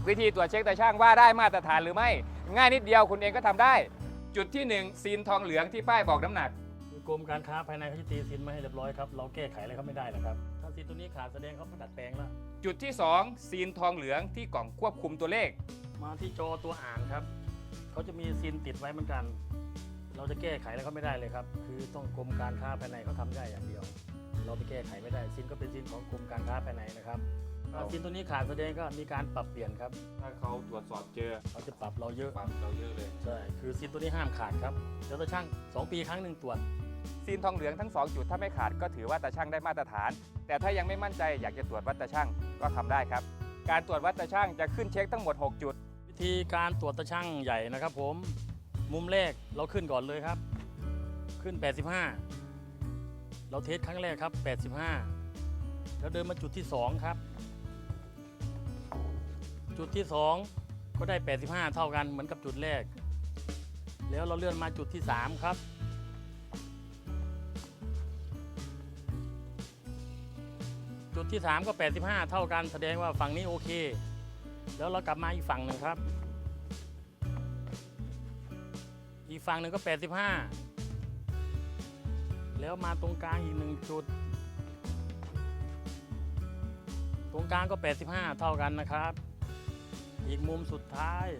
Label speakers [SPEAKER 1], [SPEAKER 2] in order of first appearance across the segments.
[SPEAKER 1] วิธีตรวจเช็คตาช่างว่าได้มาตรฐานหรือไม่ง่ายนิดเดียวคุณเองก็ทำได้ จุดที่1ซีนทองเหลืองที่ป้ายบอกน้ำหนัก
[SPEAKER 2] กรมการค้าภายในเขาจะตีซินมาให้เรียบร้อยครับเราแก้ไขอะไรเขาไม่ได้หรอกครับถ้าซินตัวนี้ขาดแสดงเขาดัดแปลงแล้ว
[SPEAKER 1] จุดที่2ซีนทองเหลืองที่กล่องควบคุมตัวเลข
[SPEAKER 2] มาที่จอตัวอ่านครับเขาจะมีซินติดไว้เหมือนกัน เราจะแก้ไขอะไรเขาไม่ได้เลยครับคือต้องกรมการค้าภายในเขาทำได้อย่างเดียว เราไปแก้ไขไม่ได้ซินก็เป็นซินของกรมการค้าภายในนะครับถ้าซินตัวนี้ขาดแสดงก็มีการปรับเปลี่ยนครับ
[SPEAKER 1] ถ้าเขาตรวจสอบเจอ
[SPEAKER 2] เขาจะปรับเราเยอะ
[SPEAKER 1] ปรับเราเยอะเลย
[SPEAKER 2] ใช่คือซินตัวนี้ห้ามขาดครับเดี๋ยวตาช่าง2 ปีครั้งหนึ่งตรวจ
[SPEAKER 1] ซีนทองเหลืองทั้ง2จุดถ้าไม่ขาดก็ถือว่าตาช่างได้มาตรฐาน แต่ถ้ายังไม่มั่นใจอยากจะตรวจวัดตาช่างก็ทำได้ครับการตรวจวัดตาช่างจะขึ้นเช็คทั้งหมด6จุด
[SPEAKER 2] วิธีการตรวจตาช่างใหญ่นะครับผมมุมแรกเราขึ้นก่อนเลยครับขึ้น 85 เราเทสครั้งแรกครับ 85 แล้วเดินมาจุดที่2ครับจุดที่2ก็ได้ 85 เท่ากันเหมือนกับจุดแรกแล้วเราเลื่อนมาจุดที่3ครับจุดที่3ก็ 85 เท่ากันแสดงว่าฝั่งนี้โอเคแล้วเรากลับมาอีกฝั่งหนึ่งครับอีกฝั่งหนึ่งก็ 85 แล้วมาตรงกลางอีก1จุดตรงกลางก็ 85 เท่ากันนะครับอีกมุมสุดท้าย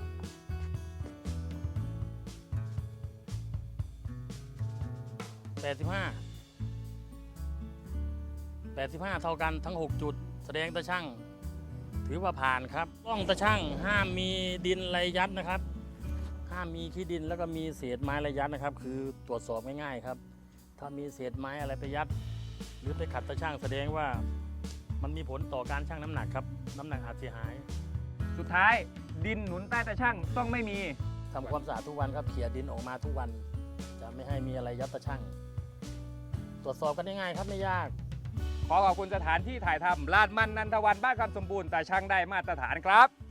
[SPEAKER 2] 85 เท่ากันทั้ง6จุดแสดงตาช่างถือว่าผ่านครับกล้องตาช่างห้ามมีดินไรยัดนะครับห้ามมีขี้ดินแล้วก็มีเศษไม้ไรยัดนะครับคือตรวจสอบง่ายๆครับถ้ามีเศษไม้อะไรไปยัดหรือไปขัดตาช่างแสดงว่ามันมีผลต่อการชั่งน้ำหนักครับน้ำหนักอาจเสียหาย
[SPEAKER 1] สุดท้ายดินหนุนใต้ตาช่างต้องไม่มี
[SPEAKER 2] ทำความสะอาดทุกวันครับเขี่ยดินออกมาทุกวันจะไม่ให้มีอะไรยัดตาช่างตรวจสอบกันง่ายๆครับไม่ยาก
[SPEAKER 1] ขอขอบคุณสถานที่ถ่ายทำลาดมันนันทวันบ้านคำสมบูรณ์ตาช่างได้มาตรฐานครับ